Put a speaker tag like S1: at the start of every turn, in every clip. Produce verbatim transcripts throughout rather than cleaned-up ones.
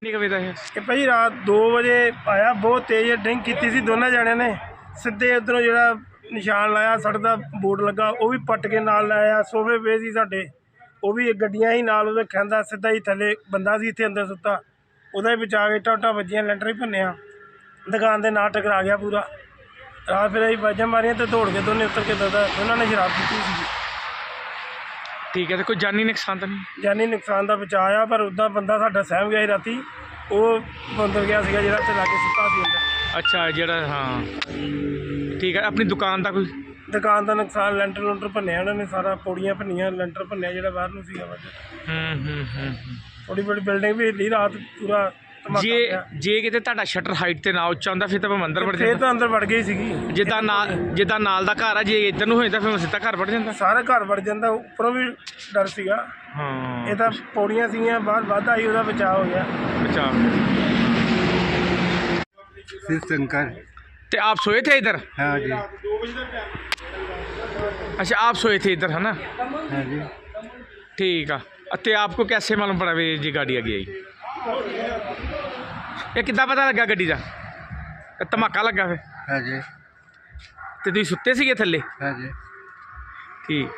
S1: ਕਿੰਨੀ ਕੁ ਵਜੇ ਦਾ ਇਹ?
S2: ਇਹ ਭਾਈ ਰਾਤ ਦੋ ਵਜੇ ਆਇਆ, ਬਹੁਤ ਤੇਜ਼ ਡਰਿੰਕ ਕੀਤੀ ਸੀ ਦੋਨਾਂ ਜਣਿਆਂ ਨੇ। ਸਿੱਧੇ ਉੱਧਰੋਂ ਜਿਹੜਾ ਨਿਸ਼ਾਨ ਲਾਇਆ, ਸੜਕ ਦਾ ਬੋਰਡ ਲੱਗਾ ਉਹ ਵੀ ਪੱਟ ਕੇ ਨਾਲ ਲਾਇਆ। ਸੋਫੇ ਪਏ ਸੀ ਸਾਡੇ, ਉਹ ਵੀ ਗੱਡੀਆਂ ਹੀ ਨਾਲ ਉਹਦੇ ਖੈਂਦਾ ਸਿੱਧਾ ਹੀ ਥੱਲੇ ਬੰਦਾ ਸੀ ਇੱਥੇ ਅੰਦਰ ਸੁੱਤਾ, ਉਹਦਾ ਹੀ ਬਚਾ ਕੇ ਟਾਟਾ ਵੱਜੀਆਂ, ਲੈਂਟਰ ਹੀ ਭੰਨਿਆ, ਦੁਕਾਨ ਦੇ ਨਾਲ ਟਕਰਾ ਗਿਆ ਪੂਰਾ। ਰਾਤ ਫਿਰ ਅਸੀਂ ਬਾਜਾਂ ਮਾਰੀਆਂ ਤੇ ਦੌੜ ਕੇ ਦੋਨੇ ਉੱਤਰ ਕੇ ਦੱਸਦਾ ਉਹਨਾਂ ਨੇ ਸ਼ਰਾਬ ਪੀਤੀ ਸੀ।
S1: ਠੀਕ ਹੈ, ਤੇ ਕੋਈ ਜਾਨੀ ਨੁਕਸਾਨ ਤਾਂ ਨਹੀਂ?
S2: ਜਾਨੀ ਨੁਕਸਾਨ ਦਾ ਬਚਾਅ ਆ, ਪਰ ਉੱਦਾਂ ਬੰਦਾ ਸਾਡਾ ਸਹਿਮ ਗਿਆ ਸੀ ਰਾਤੀ, ਉਹ ਅੰਦਰ ਗਿਆ ਸੀਗਾ ਜਿਹੜਾ ਉੱਥੇ ਲਾਗੇ ਸੁੱਤਾ ਸੀ ਅੰਦਰ।
S1: ਅੱਛਾ, ਜਿਹੜਾ ਹਾਂ ਠੀਕ ਹੈ। ਆਪਣੀ ਦੁਕਾਨ ਦਾ ਕੋਈ?
S2: ਦੁਕਾਨ ਦਾ ਨੁਕਸਾਨ, ਲੈਂਟਰ ਲੂੰਟਰ ਭੰਨਿਆ ਉਹਨਾਂ ਨੇ ਸਾਰਾ, ਪੌੜੀਆਂ ਭੰਨੀਆਂ, ਲੈਂਟਰ ਭੰਨਿਆ ਜਿਹੜਾ ਬਾਹਰ ਨੂੰ ਸੀਗਾ ਵੱਜ।
S1: ਹੂੰ ਹੂੰ ਹੂੰ
S2: ਥੋੜੀ ਬੜੀ ਬਿਲਡਿੰਗ ਵੀ ਹਿੱਲੀ ਰਾਤ, ਪੂਰਾ ਧਮਾਕਾ
S1: ਜੇ
S2: ਪਿਆ।
S1: ਜੇ ਕਿਤੇ ਤੁਹਾਡਾ ਸ਼ਟਰ ਹਾਈਟ ਤੇ ਨਾ ਉੱਚਾ ਹੁੰਦਾ ਫਿਰ ਤਾਂ ਭਾਵੇਂ ਅੰਦਰ ਵੜ
S2: ਫਿਰ
S1: ਜਾਂਦਾ।
S2: ਤਾਂ ਅੰਦਰ ਵੜ ਗਈ ਸੀਗੀ।
S1: ਜਿੱਦਾਂ ਨਾਲ ਜਿੱਦਾਂ ਨਾਲ ਦਾ ਘਰ ਆ, ਜੇ ਇੱਧਰ ਨੂੰ ਹੋ ਜਾਂਦਾ ਫਿਰ ਸਿੱਧਾ ਘਰ ਵੜ ਜਾਂਦਾ।
S2: ਸਾਰਾ ਘਰ ਵੜ ਜਾਂਦਾ, ਉੱਪਰੋਂ ਵੀ ਡਰ ਸੀਗਾ।
S1: ਹਾਂ,
S2: ਇਹ ਤਾਂ ਪੌੜੀਆਂ ਸੀਗੀਆਂ, ਬਾਹਰ ਵੱਧ ਆਈ, ਉਹਦਾ ਬਚਾਅ ਹੋ ਗਿਆ।
S1: अच्छा।
S3: शिव शंकर।
S1: तो आप सोए थे इधर?
S3: हाँ जी।
S1: अच्छा, आप सोए थे इधर है ना?
S3: हाँ जी।
S1: ठीक है। तो आपको कैसे मालूम पड़ा भी जी गाड़ी आ गई? ये कितना पता लगा गड्डी का? धमाका लगा फिर?
S3: हाँ जी।
S1: तो तुम सुते सीगे थल्ले?
S3: हाँ जी।
S1: ठीक।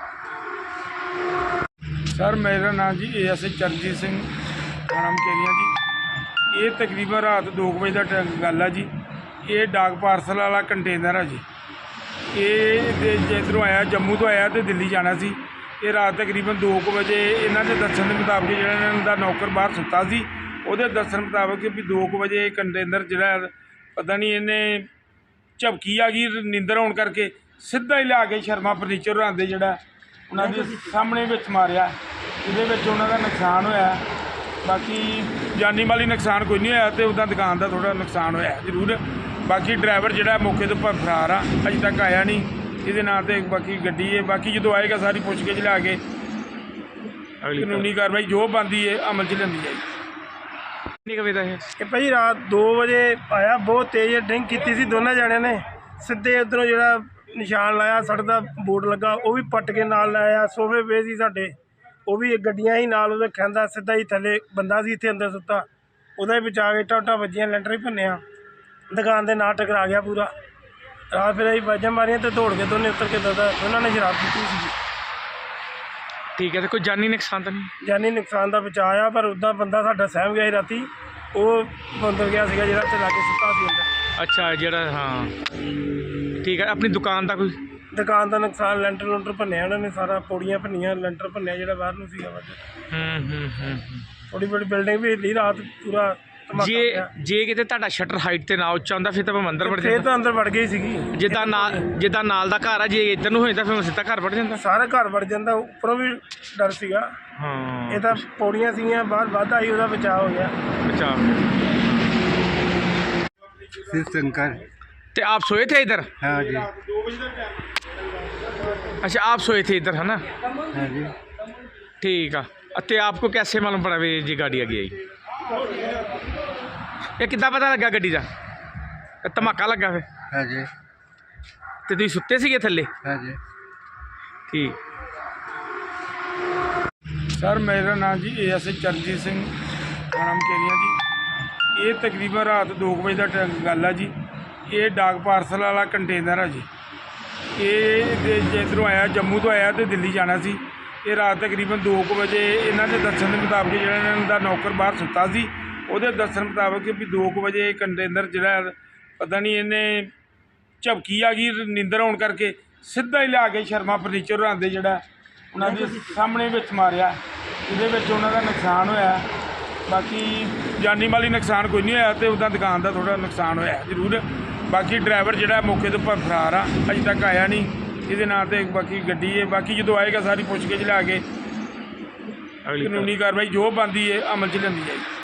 S2: ਸਰ ਮੇਰਾ ਨਾਮ ਜੀ A S I Charanjit Singh, ਥਾਣਾ ਮਕੇਰੀਆਂ ਜੀ। ਇਹ ਤਕਰੀਬਨ ਰਾਤ ਦੋ ਕੁ ਵਜੇ ਦਾ ਟ- ਗੱਲ ਆ ਜੀ। ਇਹ ਡਾਕ ਪਾਰਸਲ ਵਾਲਾ ਕੰਟੇਨਰ ਆ ਜੀ। ਇਹ ਦੇ ਜਿੱਧਰੋਂ ਆਇਆ, ਜੰਮੂ ਤੋਂ ਆਇਆ ਤੇ ਦਿੱਲੀ ਜਾਣਾ ਸੀ। ਇਹ ਰਾਤ ਤਕਰੀਬਨ ਦੋ ਕੁ ਵਜੇ ਇਹਨਾਂ ਦੇ ਦੱਸਣ ਦੇ ਮੁਤਾਬਕ ਜਿਹੜਾ ਇਹਨਾਂ ਦਾ ਨੌਕਰ ਬਾਹਰ ਸੁੱਤਾ ਸੀ, ਉਹਦੇ ਦੱਸਣ ਮੁਤਾਬਕ ਵੀ ਦੋ ਕੁ ਵਜੇ ਕੰਟੇਨਰ ਜਿਹੜਾ ਪਤਾ ਨਹੀਂ ਇਹਨੇ ਝਪਕੀ ਆ ਗਈ ਨੀਂਦਰ ਆਉਣ ਕਰਕੇ, ਸਿੱਧਾ ਹੀ ਲਿਆ ਕੇ ਸ਼ਰਮਾ ਫਰਨੀਚਰ ਹੋਰਾਂ ਦੇ ਜਿਹੜਾ ਉਹਨਾਂ ਦੇ ਸਾਹਮਣੇ ਵਿੱਚ ਮਾਰਿਆ। ਇਹਦੇ ਵਿੱਚ ਉਹਨਾਂ ਦਾ ਨੁਕਸਾਨ ਹੋਇਆ, ਬਾਕੀ ਜਾਨੀ ਮਾਲੀ ਨੁਕਸਾਨ ਕੋਈ ਨਹੀਂ ਹੋਇਆ, ਤੇ ਉਹਦਾ ਦੁਕਾਨ ਦਾ ਥੋੜ੍ਹਾ ਨੁਕਸਾਨ ਹੋਇਆ ਜ਼ਰੂਰ। ਬਾਕੀ ਡਰਾਈਵਰ ਜਿਹੜਾ ਮੌਕੇ ਤੋਂ ਭ- ਫਰਾਰ ਆ, ਅਜੇ ਤੱਕ ਆਇਆ ਨਹੀਂ ਇਹਦੇ ਨਾਂ 'ਤੇ। ਬਾਕੀ ਗੱਡੀ ਹੈ, ਬਾਕੀ ਜਦੋਂ ਆਏਗਾ ਸਾਰੀ ਪੁੱਛ ਕੇ ਲਿਆ ਕੇ ਕਾਨੂੰਨੀ ਕਾਰਵਾਈ ਜੋ ਬਣਦੀ ਹੈ ਅਮਲ 'ਚ ਲੈਂਦੀ ਜਾਏਗੀ।
S1: कितनी वजह है?
S2: ਇਹ ਭਾਈ ਰਾਤ ਦੋ ਵਜੇ ਆਇਆ, ਬਹੁਤ ਤੇਜ਼ ਡਰਿੰਕ ਕੀਤੀ ਸੀ ਦੋਨਾਂ ਜਣਿਆਂ ਨੇ। ਸਿੱਧੇ ਉੱਧਰੋਂ ਜਿਹੜਾ ਨਿਸ਼ਾਨ ਲਾਇਆ, ਸੜਕ ਦਾ ਬੋਰਡ ਲੱਗਾ ਉਹ ਵੀ ਪੱਟ ਕੇ ਨਾਲ ਲਾਇਆ। ਸੋਫੇ ਪਏ ਸੀ ਸਾਡੇ, ਉਹ ਵੀ ਗੱਡੀਆਂ ਹੀ ਨਾਲ ਉਹਦੇ ਖੈਂਦਾ ਸਿੱਧਾ ਹੀ ਥੱਲੇ ਬੰਦਾ ਸੀ ਇੱਥੇ ਅੰਦਰ ਸੁੱਤਾ, ਉਹਦਾ ਹੀ ਬਚਾ ਕੇ ਟਾਟਾ ਵੱਜੀਆਂ, ਲੈਂਟਰ ਹੀ ਭੰਨਿਆ, ਦੁਕਾਨ ਦੇ ਨਾਲ ਟਕਰਾ ਗਿਆ ਪੂਰਾ। ਰਾਤ ਫਿਰ ਅਸੀਂ ਬਾਜਾਂ ਮਾਰੀਆਂ ਤੇ ਦੌੜ ਕੇ ਦੋਨੇ ਉੱਤਰ ਕੇ ਦੱਸਦਾ ਉਹਨਾਂ ਨੇ ਸ਼ਰਾਬ ਪੀਤੀ ਸੀ।
S1: ठीक है, तो कोई जानी नुकसान तो नहीं?
S2: ਜਾਨੀ ਨੁਕਸਾਨ ਦਾ ਬਚਾਅ ਆ, ਪਰ ਉੱਦਾਂ ਬੰਦਾ ਸਾਡਾ ਸਹਿਮ ਗਿਆ ਸੀ ਰਾਤੀ, ਉਹ ਅੰਦਰ ਗਿਆ ਸੀਗਾ ਜਿਹੜਾ ਉੱਥੇ ਲਾਗੇ ਸੁੱਤਾ ਸੀ ਅੰਦਰ।
S1: अच्छा, ਜਿਹੜਾ ਹਾਂ ਠੀਕ ਹੈ। ਆਪਣੀ ਦੁਕਾਨ ਦਾ ਕੋਈ?
S2: ਦੁਕਾਨ ਦਾ ਨੁਕਸਾਨ, ਲੈਂਟਰ ਲੂੰਟਰ ਭੰਨਿਆ ਉਹਨਾਂ ਨੇ ਸਾਰਾ, ਪੌੜੀਆਂ ਭੰਨੀਆਂ, ਲੈਂਟਰ ਭੰਨਿਆ ਜਿਹੜਾ ਬਾਹਰ ਨੂੰ ਸੀਗਾ ਵੱਜ।
S1: ਹੂੰ ਹੂੰ ਹੂੰ
S2: ਥੋੜੀ ਬੜੀ ਬਿਲਡਿੰਗ ਵੀ ਹਿੱਲੀ ਰਾਤ, ਪੂਰਾ ਧਮਾਕਾ
S1: ਜੇ
S2: ਪਿਆ।
S1: ਜੇ ਕਿਤੇ ਤੁਹਾਡਾ ਸ਼ਟਰ ਹਾਈਟ ਤੇ ਨਾ ਉੱਚਾ ਹੁੰਦਾ ਫਿਰ ਤਾਂ ਭਾਵੇਂ ਅੰਦਰ ਵੜ
S2: ਫਿਰ
S1: ਜਾਂਦਾ।
S2: ਤਾਂ ਅੰਦਰ ਵੜ ਗਈ ਸੀਗੀ।
S1: ਜਿੱਦਾਂ ਨਾਲ ਜਿੱਦਾਂ ਨਾਲ ਦਾ ਘਰ ਆ, ਜੇ ਇੱਧਰ ਨੂੰ ਹੋ ਜਾਂਦਾ ਫਿਰ ਸਿੱਧਾ ਘਰ ਵੜ ਜਾਂਦਾ।
S2: ਸਾਰਾ ਘਰ ਵੜ ਜਾਂਦਾ, ਉੱਪਰੋਂ ਵੀ ਡਰ ਸੀਗਾ।
S1: ਹਾਂ,
S2: ਇਹ ਤਾਂ ਪੌੜੀਆਂ ਸੀਗੀਆਂ, ਬਾਹਰ ਵੱਧ ਆਈ, ਉਹਦਾ ਬਚਾਅ ਹੋ ਗਿਆ।
S1: अच्छा।
S3: शिव शंकर।
S1: तो आप सोए थे इधर?
S3: हाँ जी।
S1: अच्छा, आप सोए थे इधर है ना?
S3: हाँ जी।
S1: ठीक है। तो आपको कैसे मालूम पड़ा भी जी गाड़ी आ गई? ये कितना पता लगा गड्डी का? धमाका लगा फिर?
S3: हाँ जी।
S1: तो तुम सुते सीगे थल्ले?
S3: हाँ जी।
S1: ठीक।
S2: ਸਰ ਮੇਰਾ ਨਾਮ ਜੀ A S I Charanjit Singh, ਥਾਣਾ ਮਕੇਰੀਆਂ ਜੀ। ਇਹ ਤਕਰੀਬਨ ਰਾਤ ਦੋ ਕੁ ਵਜੇ ਦਾ ਟ- ਗੱਲ ਆ ਜੀ। ਇਹ ਡਾਕ ਪਾਰਸਲ ਵਾਲਾ ਕੰਟੇਨਰ ਆ ਜੀ। ਇਹ ਦੇ ਜਿੱਧਰੋਂ ਆਇਆ, ਜੰਮੂ ਤੋਂ ਆਇਆ ਤੇ ਦਿੱਲੀ ਜਾਣਾ ਸੀ। ਇਹ ਰਾਤ ਤਕਰੀਬਨ ਦੋ ਕੁ ਵਜੇ ਇਹਨਾਂ ਦੇ ਦੱਸਣ ਦੇ ਮੁਤਾਬਕ ਜਿਹੜਾ ਇਹਨਾਂ ਦਾ ਨੌਕਰ ਬਾਹਰ ਸੁੱਤਾ ਸੀ, ਉਹਦੇ ਦੱਸਣ ਮੁਤਾਬਕ ਵੀ ਦੋ ਕੁ ਵਜੇ ਕੰਟੇਨਰ ਜਿਹੜਾ ਪਤਾ ਨਹੀਂ ਇਹਨੇ ਝਪਕੀ ਆ ਗਈ ਨੀਂਦਰ ਆਉਣ ਕਰਕੇ, ਸਿੱਧਾ ਹੀ ਲਿਆ ਕੇ ਸ਼ਰਮਾ ਫਰਨੀਚਰ ਹੋਰਾਂ ਦੇ ਜਿਹੜਾ ਉਹਨਾਂ ਦੇ ਸਾਹਮਣੇ ਵਿੱਚ ਮਾਰਿਆ। ਇਹਦੇ ਵਿੱਚ ਉਹਨਾਂ ਦਾ ਨੁਕਸਾਨ ਹੋਇਆ, ਬਾਕੀ ਜਾਨੀ ਮਾਲੀ ਨੁਕਸਾਨ ਕੋਈ ਨਹੀਂ ਹੋਇਆ, ਤੇ ਉਹਦਾ ਦੁਕਾਨ ਦਾ ਥੋੜ੍ਹਾ ਨੁਕਸਾਨ ਹੋਇਆ ਜ਼ਰੂਰ। ਬਾਕੀ ਡਰਾਈਵਰ ਜਿਹੜਾ ਮੌਕੇ ਤੋਂ ਭ- ਫਰਾਰ ਆ, ਅਜੇ ਤੱਕ ਆਇਆ ਨਹੀਂ ਇਹਦੇ ਨਾਂ 'ਤੇ। ਬਾਕੀ ਗੱਡੀ ਹੈ, ਬਾਕੀ ਜਦੋਂ ਆਏਗਾ ਸਾਰੀ ਪੁੱਛ ਕੇ ਲਿਆ ਕੇ ਕਾਨੂੰਨੀ ਕਾਰਵਾਈ ਜੋ ਬਣਦੀ ਹੈ ਅਮਲ 'ਚ ਲੈਂਦੀ ਜਾਏਗੀ।